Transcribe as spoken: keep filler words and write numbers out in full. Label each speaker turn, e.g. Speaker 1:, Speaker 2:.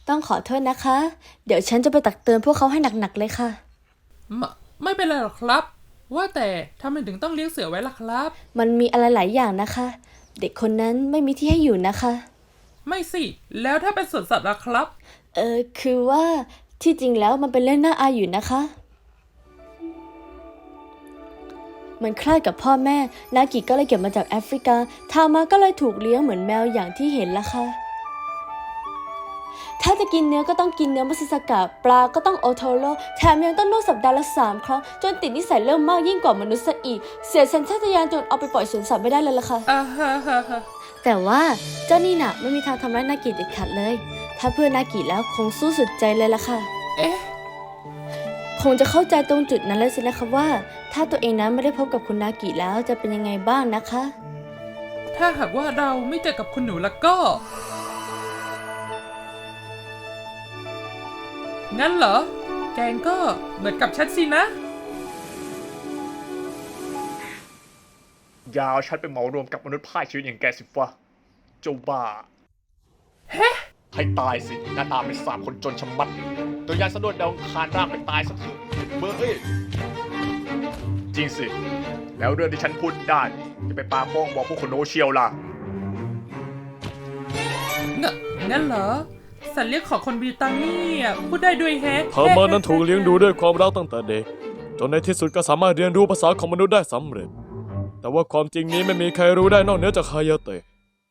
Speaker 1: ต้องขอโทษนะคะ เดี๋ยวฉันจะไปตักเตือนพวกเขาให้หนักๆเลยค่ะ
Speaker 2: ไม่ไม่เป็นไรหรอกครับว่าแต่ทำไมถึงต้องเลี้ยงเสือไว้ล่ะครับ
Speaker 1: มันมีอะไรหลายอย่างนะคะ เด็กคนนั้นไม่มีที่ให้อยู่นะคะ
Speaker 2: ไม่สิแล้วถ้าเป็นสวนสัตว์ล่ะครับ
Speaker 1: เออคือว่าที่จริงแล้วมันเป็นเรื่องน่าอายอยู่นะคะมันคล้ายกับพ่อแม่นากิก็เลยเก็บมาจากแอฟริกาทามาก็เลยถูกเลี้ยงเหมือนแมวอย่างที่เห็นละค่ะถ้าจะกินเนื้อก็ต้องกินเนื้อมัสสกะปลาก็ต้องโอโทโร่แถมยังต้องนวดสัปดาห์ละสามครั้งจนติดนิสัยเริ่มมากยิ่งกว่ามนุษย์ซะอีกเสียสัญชาตญาณจนเอาไปปล่อยสวนสัตว์ไม่ได้เลยล่ะค่ะ
Speaker 2: อ่าฮะฮะฮะ
Speaker 1: แต่ว่าเจ้านี่น่ะไม่มีทางทำร้ายนากิเด็ดขาดเลยถ้าเพื่อนนากิแล้วคงสู้สุดใจเลยล่ะค่ะ
Speaker 2: เอ๊ะ
Speaker 1: คงจะเข้าใจตรงจุดนั้นเลยสินะคะว่าถ้าตัวเองนั้นไม่ได้พบกับคุณนากิแล้วจะเป็นยังไงบ้างนะคะ
Speaker 2: ถ้าหากว่าเราไม่เจอกับคุณหนูแล้วก็ งั้นเหรอแกงก็เหมือนกับฉันสินะ
Speaker 3: ยาวฉันไปเหมารวมกับมนุษย์พ่ายชีวิตอย่างแกสิวะเจ้าบ้า
Speaker 2: เฮ้
Speaker 3: ให้ตายสิหน้าตาเป็นสามคนจนชะมัดตัวยานสะดุดดาวคานร่างไปตายซะเถอะเบอร์เอ้ยจริงสิ แล้วเรื่องที่ฉันพูดได้จะไปปาโป้งบอกพวกคนโนเชียวล่ะ
Speaker 2: งงั้นเหรอสัตว์เลี้ยงของคนบริตานีอ่ะพูดได้ด้วยแฮะ
Speaker 4: เธอมานั้นถูกเลี้ยงดูด้วยความรักตั้งแต่เด็กจนในที่สุดก็สามารถเรียนรู้ภาษาของมนุษย์ได้สำเร็จแต่ว่าความจริงนี้ไม่มีใครรู้ได้นอกเหนือจากฮายาเตะ